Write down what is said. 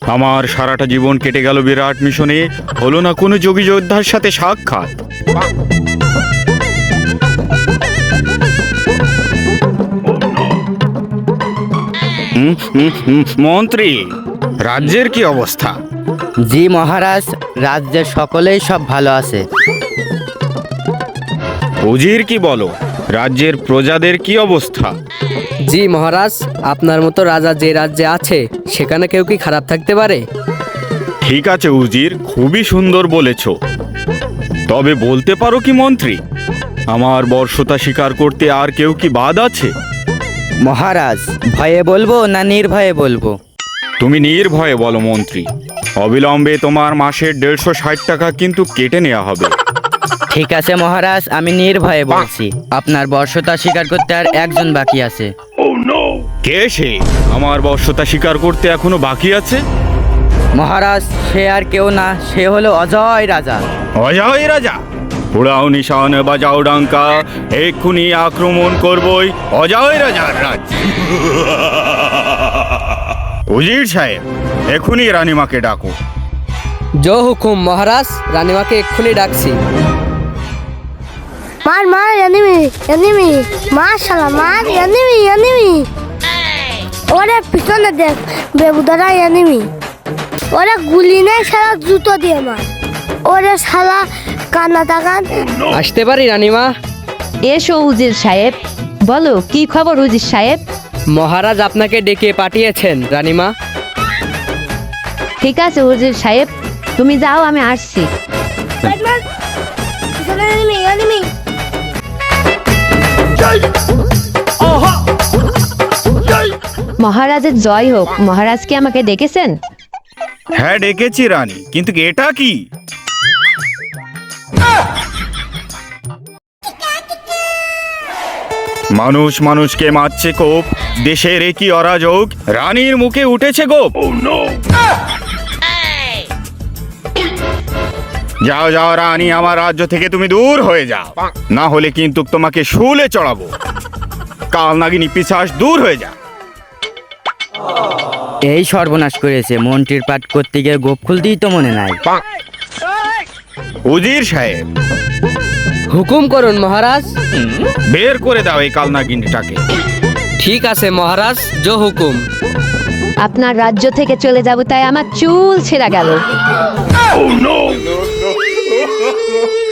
আমার সারাটা জীবন কেটে গেল বিরাট মিশনে, হলো না কোনো যোগী যোদ্ধার সাথে সাক্ষাৎ। মন্ত্রী, রাজ্যের কি অবস্থা? জি মহারাজ, রাজ্যের সকলেই সব ভালো আছে। উজির কি বলো, রাজ্যের প্রজাদের কি অবস্থা? জি মহারাজ, আপনার মতো রাজা যে রাজ্যে আছে সেখানে কেউ কি খারাপ থাকতে পারে? ঠিক আছে উজির, খুবই সুন্দর বলেছ। তবে বলতে পারো কি মন্ত্রী, আমার বর্ষতা স্বীকার করতে আর কেউ কি বাদ আছে? মহারাজ, ভয়ে বলবো না নির্ভয়ে বলবো? তুমি নির্ভয়ে বলো মন্ত্রী। অবিলম্বে তোমার মাসের 150 টাকা কিন্তু কেটে নেওয়া হবে। ঠিক আছে মহারাজ, আমি নির্ভয়ে বলছি। আপনার বর্ষতা স্বীকার করতে আর একজন বাকি আছে। কে সে? আমার বর্ষতা স্বীকার করতে এখনো বাকি আছে? মহারাজ, সে আর কেউ না, সে হলো অজয় রাজা। অজয় রাজা? উড়াও নিশান, বাজাও ডাঙ্কা, এক্ষুনি আক্রমণ করবই অজয় রাজার রাজ্য। উজির সাহেব, এক্ষুনি রানীমাকে ডাকো। জো হুকুম মহারাজ, রানীমাকে এক্ষুনি ডাকছি। মার মার এনিমি এনিমি, মার শালা মার এনিমি এনিমি। ওরে পিছনে দেখ বেবুদারা এনিমি। ওরে গুলি নেই শালা, জুতো দিয়ে মার। ওরে শালা কান্না তাকান। আসতে পারি রানীমা? এসো উজির সাহেব, বলো কি খবর উজির সাহেব? মহারাজ আপনাকে ডেকে পাঠিয়েছেন রানীমা। ঠিক আছে উজির সাহেব, তুমি যাও, আমি আসছি। মার মার পিছনে এনিমি এনিমি। মহারাজের জয় হোক। মহারাজ কি আমাকে ডেকেছেন? হ্যাঁ ডেকেছি রানী, কিন্তু এটা কি? মানুষ মানুষকে মারছে কোপ, দেশের একই অরাজক, রানীর মুখে উঠেছে গোপ। যাও যাও রানী, আমার রাজ্য থেকে তুমি দূর হয়ে যাও, না হলে কিন্তু তোমাকে শুলে চড়াবো। কাল নাগিনী পিশাচ, দূর হয়ে যা। এই সর্বনাশ করেছে, মন্ত্রীর পাঠ করতে গিয়ে গোপ খুলতেই তো মনে নাই। উজির সাহেব, হুকুম করুন মহারাজ। বের করে দাও এই কালনাগিনীটাকে। ঠিক আছে মহারাজ, জো হুকুম। আপনার রাজ্য থেকে চলে যাব তাই আমার চুল ছেঁড়া গেল।